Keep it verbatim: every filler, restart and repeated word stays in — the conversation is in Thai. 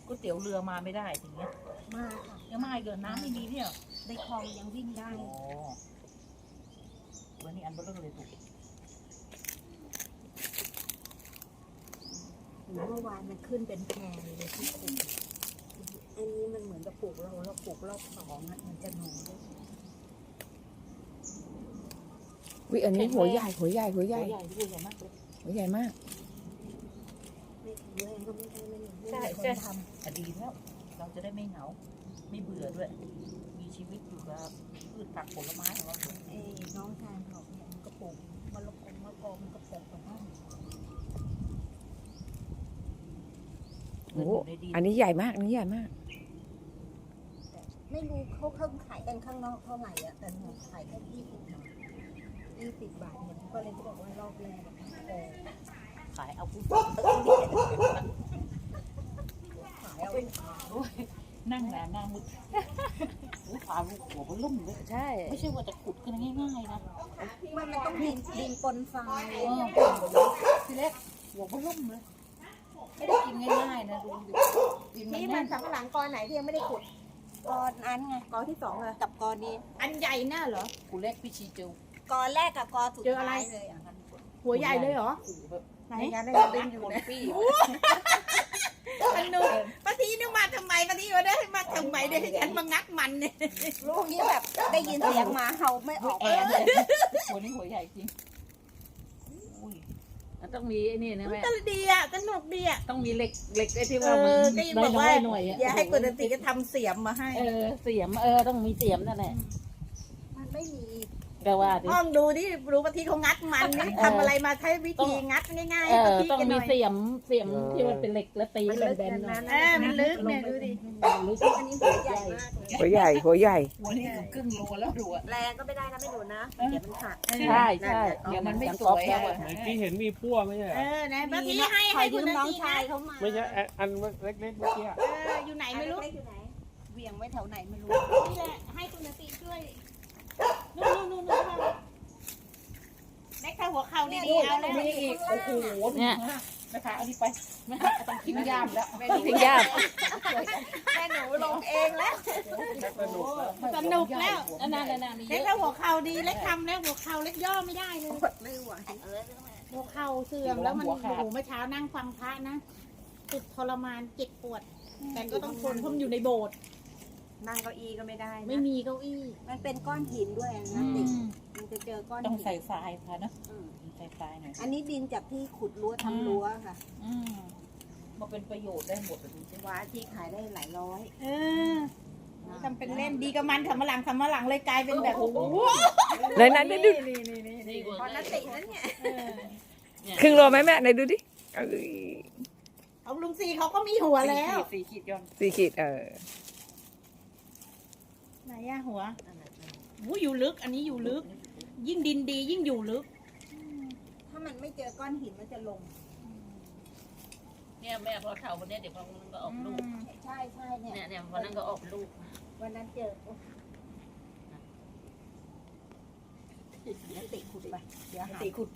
ก๋วยเตี๋ยวเรือมาไม่ได้อย่างเงี้ยมาค่ะยังมาเกินน้ำไม่มีเนี่ยในคลองยังวิ่งได้อ๋อวันนี้อันเบลอเลยถูกเมื่อวานมันขึ้นเป็นแพรเลยที่ขุดอันนี้มันเหมือนกับปลูกเราเราปลูกรอบสองอ่ะมันจะหนูด้วยวิอันนี้หัวใหญ่หัวใหญ่หัวใหญ่ใหญ่ที่ใหญ่มากเลยหัวใหญ่มากไม่แข็งแรงก็ไม่ได้ไม่ใช่ได้คนใช่ทแต่ดีแล้วเราจะได้ไม่เหงาไม่เบื่อด้วยมีชีวิตอยู่กับพืชผักผลไม้ของเราำไอ้น้องชายเขาเนี่ยมันก็ปลูกมะละกอมะละกอมันก็ปลูกของมันโอ้อันนี้ใหญ่มากอันนี้ใหญ่มากไม่รู้เขาเขาขายกันข้างนอกเท่าไหร่อะแต่หนูขายแค่ยี่สิบบาทยี่สิบบาทเนี่ยก็เลยบอกว่ารอบแรกโอ้ขายเอาผู้ขายเอาเป็นขานั่งแหนหน้ามุดหูพาลูกหัวมันลุ่มเลยใช่ไม่ใช่ว่าจะขุดกันง่ายๆนะมันมันต้องดินดินปนทรายทีแรกหัวมันลุ่มเลยไม่ได้กินง่ายๆนะดูดินมันนี่มัแน่นนสำหลังกอไหนที่ยังไม่ได้ขุดกอนั้นไงกอที่สองเลยกับกอนี้อันใหญ่น่าเหรอกูแรกพี่ชีเจอกอแรกกับกอสุดเจออะไรท้ายเลยอ่ะหัวใหญ่เลยเหรอแบบไหนในงานได้ดินอยู่นะพี่มันนูป้าทีนึกมาทำไมป้าทีว่าได้มาทำไมได้ให้ฉันมางัดมันเนี่ยลูกนี้แบบได้ยินเสียงหมาเห่าไม่ออกแอเลยนเลยหัวนี้หัวใหญ่จริงอุ้ยมันต้องมีไอ้นี่นะแม่ก็ดีอ่ะสนุกดีอ่ะต้องมีเหล็กเหล็กไอ้ที่เอว่ามันอก็ยังบอกว่าหน่อยๆอ่ะอย่าให้กุณติก็ทำเสียมมาให้เออเสียมเออต้องมีเสียมนั่นแหละมันไม่มีก็ว่าดิห้องดูที่รู้ป้าทีเขางัดมันนี่ทำอะไรมาใช้วิธีงัดง่ายๆเอป้าอทีต้องกันหมีน่อยเสียมเสียมที่มันเป็นเหล็กแล้วตีมันแลึกบกันนๆหน่นะอยเออมันลึกเนี่ยดูดิรู้สึกอันนี้หัวใหญ่มากเลยหัวใหญ่หัวใหญ่หัวนี่อยู่ครึ่งโลแล้วดูอ่ะแรงก็ไม่ได้นะไม่ดูนะเดี๋ยวมันหักใช่ใช่เดี๋ยวมันไม่สวยอ่ะเมื่อกี้เห็นมีพั่วไม่ใช่เหรเอออนะป้าทีให้ขอให้ยืคุณมน้องติชายนะเขามาไม่ใช่อันอันเล็กๆเมื่อกี้อะเอออยู่ไหนไม่รู้เล็กอยู่ไหนเวียงไว้แถวไหนไม่รู้นี่แหละให้คุณติช่วยนู่นนู่นนู่นนู่นเล็กถ้าหัวเข่าดีๆเอาแล้วนี่อีกโอ้โหเนี่ยนะคะเอาดิไปแม่ต้องทิ้งยามแล้วทิ้งยากแม่หนูลงเองแล้วสนุกแล้วสนุกแล้วนั่นนั่นนั่นมีเยเล็กอะถ้าหัวเข่าดีเล็กทำแล้วหัวเข่าเล็กย่อไม่ได้เลยกดไม่ไหวหัวเข่าเสื่อมแล้วมันโอ้โหเมื่อเช้านั่งฟังพระนะติดทรมานเจ็บปวด แต่ก็ต้องทนเพราะมันอยู่ในโบสถ์นั่งเก้าอี้ก็ไม่ได้นะไม่มีเก้าอี้มันเป็นก้อนหินด้วยนะติดมันจะเจอก้อนต้องหินใส่ทรายค่ะนะอืมใส่ทรายหน่อยอันนี้ดินจากที่ขุดรั้วทำรั้วค่ะอืมมาเป็นประโยชน์ได้หมดเลยใช่ไหมว้าที่ขายได้หลายร้อยเออทำเป็นเล่นดีกับมันทำมาหลังทำมาหลังเลยกลายเป็นแบบโอ้โหไหนไหนไหนดูนี่นี่นี่นี่พอนัตินั้นเนี่ยเออครึ่งโลไหมแม่ไหนดูดิเอ้ยเอาลุงซีเขาก็มีหัวแล้วสี่ขีดย้อนสี่ขีดเออไหนอะหัววู้อยู่ลึก อันนี้อยู่ลึก ยิ่งดินดียิ่งอยู่ลึกถ้ามันไม่เจอก้อนหินมันจะลงเนี่ยแม่พอเท่าวันนี้เดี๋ยวพอมันก็ออกลูกใช่ใช่เนี่ยเนี่ยเนี่ยวันนั้นก็ออกลูกวันนั้นเจอโอ้ยนัติขุดไปเดี๋ยวหายตีขุดไป